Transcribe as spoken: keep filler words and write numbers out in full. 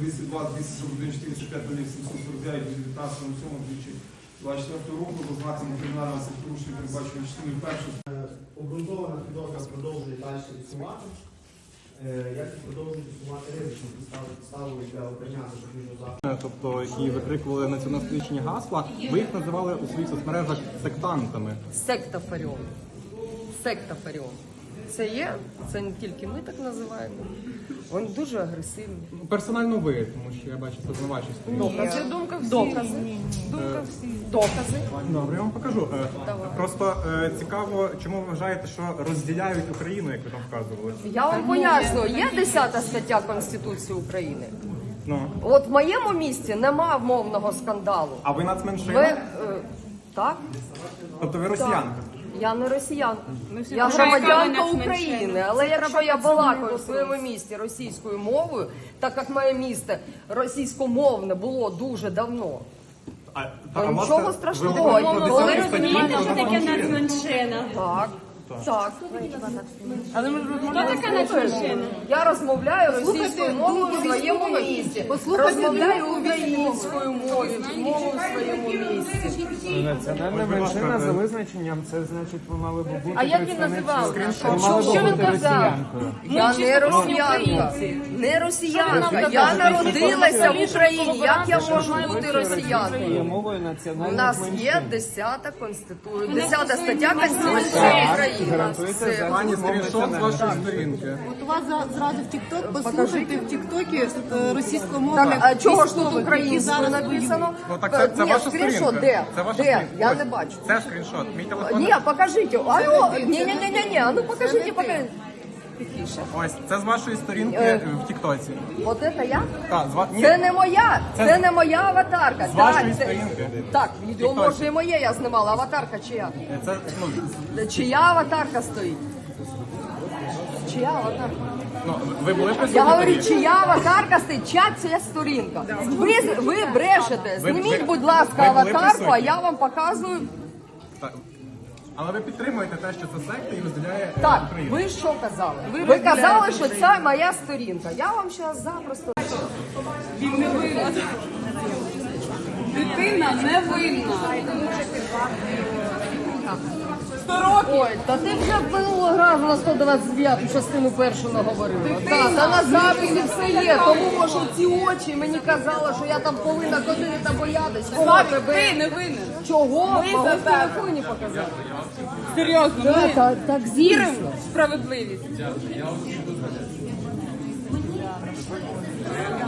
двісті два, двісті сорок один, чотириста п'ять, сімсот сорок дев'ять, дев'ятнадцять, сьомого, дві тисячі двадцять четвертого року за знаками кримінального порушення, передбачено частиною першою. Обґрунтована підозра продовжує далі існувати. Як і продовжують існувати ризичні підстави для обрання запобіжного заходу. Тобто, які викрикували націоналістичні гасла, ви їх називали у своїх соцмережах сектантами. Секта Фаріон. Секта Фаріон. Це є, це не тільки ми так називаємо. Вони дуже агресивні. Персонально ви, тому що я бачу, це на вашій сторінці. Докази, думка всі. Докази. Думка всі. Докази. Добре, я вам покажу. Е, Давай. Просто е, цікаво, чому ви вважаєте, що розділяють Україну, як ви там вказували? Я вам поясню, є десята стаття Конституції України. Ну. От в моєму місті нема мовного скандалу. А ви нацменшина? Ви, е, так? Тобто ви росіянка? Я не росіянка. всі Я знаємо, громадянка яка вона України. Але якщо я балакаю в своєму місті російською мовою, так як моє місто російськомовне було дуже давно, А, то а нічого власне, страшного. ви говорите про Коли десяту статтю Розумієте, що таке Конституції? нацменшина? так, так. Але ми Хто така нацменшина? Я розмовляю російською мовою в своєму місті. Розмовляю українською мовою, мовою в своєму місті. Національна меншина за визначенням, це значить, ви мали б бути А як він представницею- називав? ви мали б Що він бути казав? росіянкою. Я не росіянка. Не росіянка. Я народилася в Україні. Як я можу бути Є росіянкою? мовою У національних нас меншин. є десята конституція, десята стаття Конституції України. Гарантується Все. захист Пані, мов скріншот з національних вашої меншин. сторінки. От у вас за- зразу в Тік-Ток, послухайте в Тік-Токі е, російською Так, мовою. а чого ж тут Військових, які українською зараз написано? Ну так це, це Ні, ваша скріншот, сторінка. де? Це ваша Де? сторінка. Я Ось, не бачу. Це скріншот. Мій телефон. Ні, покажіть. Алло, ні, ні, ні, ні, ні, а ну покажіть, покажіть. Тихіше. Ось, це з вашої сторінки Е. в Тіктоці. От це я? Так, з ва... Ні. Це не моя, Це це з- не моя аватарка. з вашої Так, це- сторінки. Так, відео Тіктоці. може і моє я знімала, аватарка чия? Це, ну, Чия аватарка стоїть? Чия аватарка? ну, ви були присутні? Я говорю, тоді? чия аватарка стоїть, чия це сторінка. Ви, ви брешете. Ви- Зніміть, ви- будь ласка, ви були аватарку, а присутні? я вам показую. Так. Але ви підтримуєте те, що це секта і розділяє е, Так, Україну. ви що казали? Ви казали, що це моя сторінка. Я вам зараз запросто. Він не винна. Дитина не винна. Ой, та ти вже минулого разу на сто двадцять дев'яту частину першу наговорила. Так, та на записі все є, тому може ці очі мені казали, що я там повинна ходити та боятись. Кого Ти тебе? не винен. Чого? Ми Могу за в тебе. телефоні показати. Серйозно, Так, ми так, так, віримо звісно. в справедливість.